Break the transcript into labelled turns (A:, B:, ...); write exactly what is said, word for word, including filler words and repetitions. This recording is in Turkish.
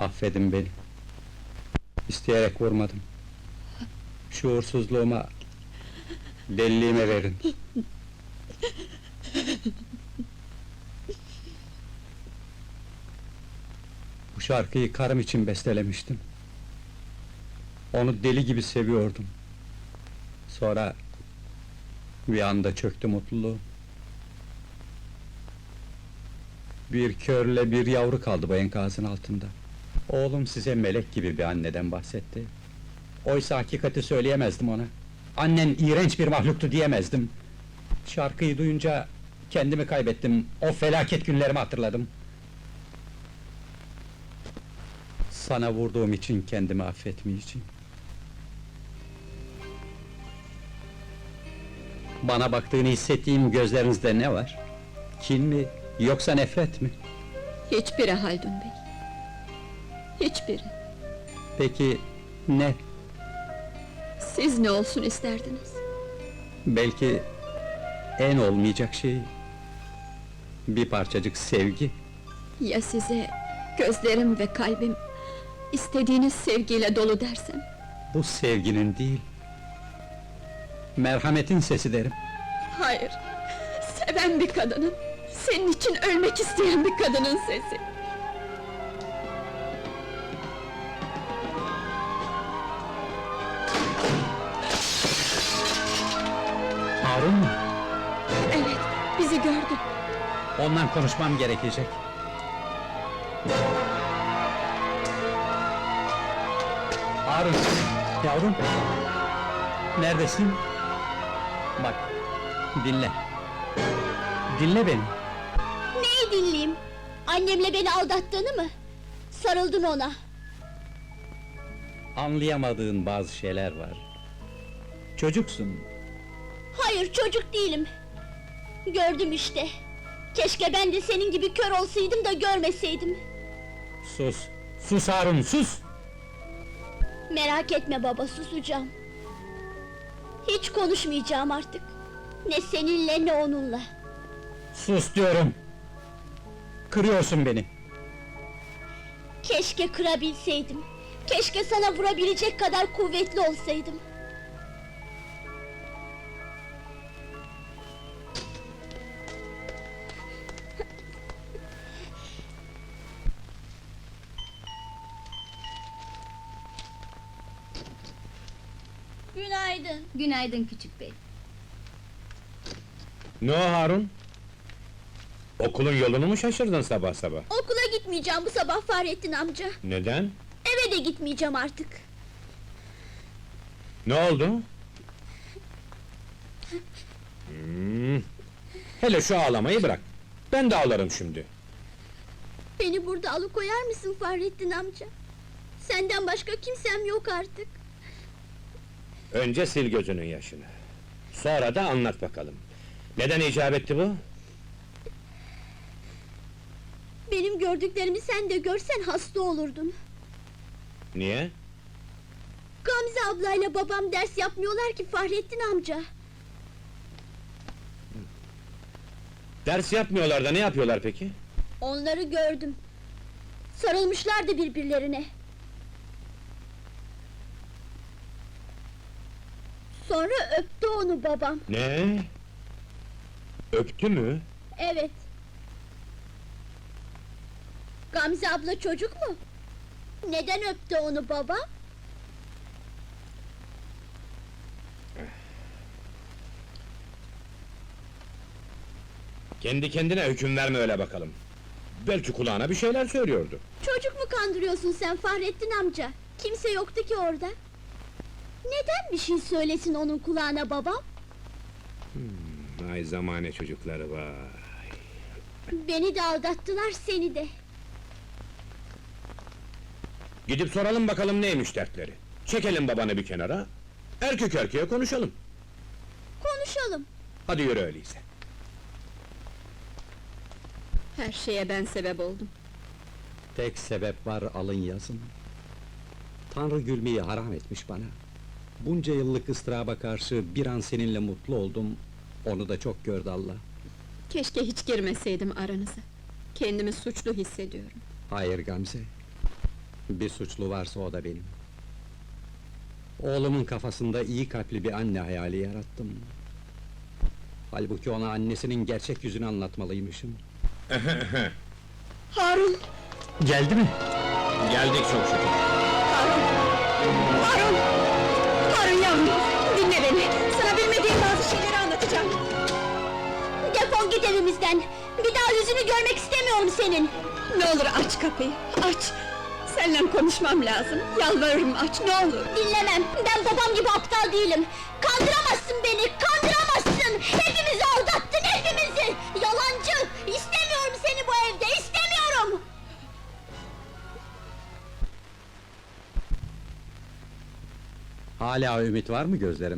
A: Affedin beni. İsteyerek vurmadım. Şuursuzluğuma, deliliğime verin. Bu şarkıyı karım için bestelemiştim. Onu deli gibi seviyordum. Sonra bir anda çöktü mutluluğum. Bir körle bir yavru kaldı bu enkazın altında. Oğlum size melek gibi bir anneden bahsetti. Oysa hakikati söyleyemezdim ona. Annen iğrenç bir mahluktu diyemezdim. Şarkıyı duyunca kendimi kaybettim. O felaket günlerimi hatırladım. Sana vurduğum için kendimi affetmeyeceğim. Bana baktığını hissettiğim gözlerinizde ne var? Kin mi, yoksa nefret mi?
B: Hiçbiri Haldun Bey. Hiçbiri.
A: Peki, ne?
B: Siz ne olsun isterdiniz?
A: Belki en olmayacak şey... bir parçacık sevgi.
B: Ya size gözlerim ve kalbim istediğiniz sevgiyle dolu dersem?
A: Bu sevginin değil... merhametin sesi derim.
B: Hayır, seven bir kadının, senin için ölmek isteyen bir kadının sesi.
A: Harun mu?
B: Evet, bizi gördü.
A: Ondan konuşmam gerekecek. Harun, yavrum! Neredesin? Bak, dinle. Dinle beni.
C: Neyi dinleyeyim? Annemle beni aldattığını mı? Sarıldın ona.
A: Anlayamadığın bazı şeyler var. Çocuksun.
C: Hayır, çocuk değilim. Gördüm işte. Keşke ben de senin gibi kör olsaydım da görmeseydim.
A: Sus! Sus Harun, sus!
C: Merak etme baba, susacağım. Hiç konuşmayacağım artık. Ne seninle ne onunla.
A: Sus diyorum! Kırıyorsun beni!
C: Keşke kırabilseydim. Keşke sana vurabilecek kadar kuvvetli olsaydım. Günaydın.
D: Günaydın küçük bey.
E: Ne o Harun? Okulun yolunu mu şaşırdın sabah sabah?
C: Okula gitmeyeceğim bu sabah Fahrettin amca.
E: Neden?
C: Eve de gitmeyeceğim artık.
E: Ne oldu? Hmm. Hele şu ağlamayı bırak. Ben de ağlarım şimdi.
C: Beni burada alıkoyar mısın Fahrettin amca? Senden başka kimsem yok artık.
E: Önce sil gözünün yaşını. Sonra da anlat bakalım. Neden icap etti bu?
C: Benim gördüklerimi sen de görsen hasta olurdun.
E: Niye?
C: Gamze ablayla babam ders yapmıyorlar ki Fahrettin amca.
E: Ders yapmıyorlar da ne yapıyorlar peki?
C: Onları gördüm. Sarılmışlardı birbirlerine. Sonra öptü onu babam.
E: Ne? Öptü mü?
C: Evet. Gamze abla çocuk mu? Neden öptü onu baba?
E: Kendi kendine hüküm verme öyle bakalım. Belki kulağına bir şeyler söylüyordu.
C: Çocuk mu kandırıyorsun sen Fahrettin amca? Kimse yoktu ki orada. Neden bir şey söylesin onun kulağına babam?
E: Hmm, ay zamane çocukları vay.
C: Beni de aldattılar, seni de.
E: Gidip soralım bakalım neymiş dertleri. Çekelim babanı bir kenara. Erkek erkeğe konuşalım.
C: Konuşalım.
E: Hadi yürü öyleyse.
B: Her şeye ben sebep oldum.
A: Tek sebep var, alın yazın. Tanrı gülmeyi haram etmiş bana. Bunca yıllık ıstıraba karşı bir an seninle mutlu oldum. Onu da çok gördü Allah.
B: Keşke hiç girmeseydim aranıza. Kendimi suçlu hissediyorum.
A: Hayır Gamze. Bir suçlu varsa o da benim. Oğlumun kafasında iyi kalpli bir anne hayali yarattım. Halbuki ona annesinin gerçek yüzünü anlatmalıymışım.
B: Harun!
A: Geldi mi?
E: Geldik çok şükür.
B: Harun! Harun! Harun yavrum! Dinle beni! Sana bilmediğim bazı şeyleri anlatacağım.
C: Defol git evimizden! Bir daha yüzünü görmek istemiyorum senin!
B: Ne olur aç kapıyı, aç! Seninle konuşmam lazım, yalvarırım aç, ne olur!
C: Dinlemem! Ben babam gibi aptal değilim! Kandıramazsın beni! Kandıramazsın! Hepimizi aldattın, hepimizi! Yalancı! İstemiyorum seni bu evde, istemiyorum!
A: Hala ümit var mı gözlerime?